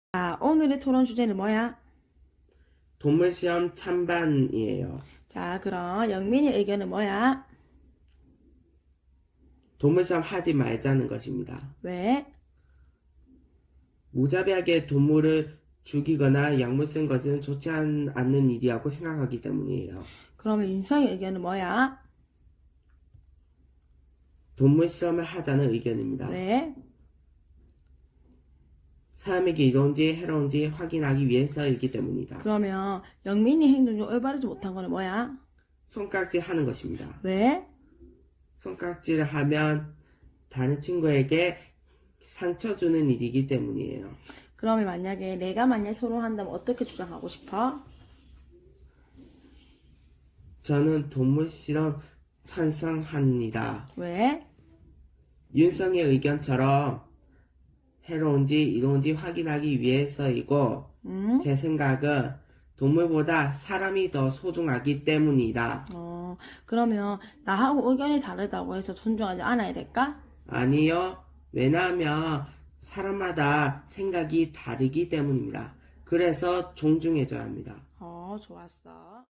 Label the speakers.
Speaker 1: 자, 오늘의 토론 주제는 뭐야?
Speaker 2: 동물시험 찬반이에요.
Speaker 1: 자, 그럼 영민이 의견은 뭐야?
Speaker 2: 동물시험 하지 말자는 것입니다.
Speaker 1: 왜?
Speaker 2: 무자비하게 동물을 죽이거나 약물 쓴 것은 좋지 않는 일이라고 생각하기 때문이에요.
Speaker 1: 그러면 윤성이 의견은 뭐야?
Speaker 2: 동물시험을 하자는 의견입니다.
Speaker 1: 왜?
Speaker 2: 사람에게 이로운지 해로운지 확인하기 위해서이기 때문이다.
Speaker 1: 그러면 영민이 행동 중 올바르지 못한 거는 뭐야?
Speaker 2: 손깍질 하는 것입니다.
Speaker 1: 왜?
Speaker 2: 손깍질을 하면 다른 친구에게 상처 주는 일이기 때문이에요.
Speaker 1: 그러면 만약에 내가 만약 토론한다면 어떻게 주장하고 싶어?
Speaker 2: 저는 동물실험 찬성합니다.
Speaker 1: 왜?
Speaker 2: 윤성의 의견처럼 해로운지 이로운지 확인하기 위해서이고 제 생각은 동물보다 사람이 더 소중하기 때문이다.
Speaker 1: 그러면 나하고 의견이 다르다고 해서 존중하지 않아야 될까?
Speaker 2: 아니요. 왜냐하면 사람마다 생각이 다르기 때문입니다. 그래서 존중해줘야 합니다.
Speaker 1: 좋았어.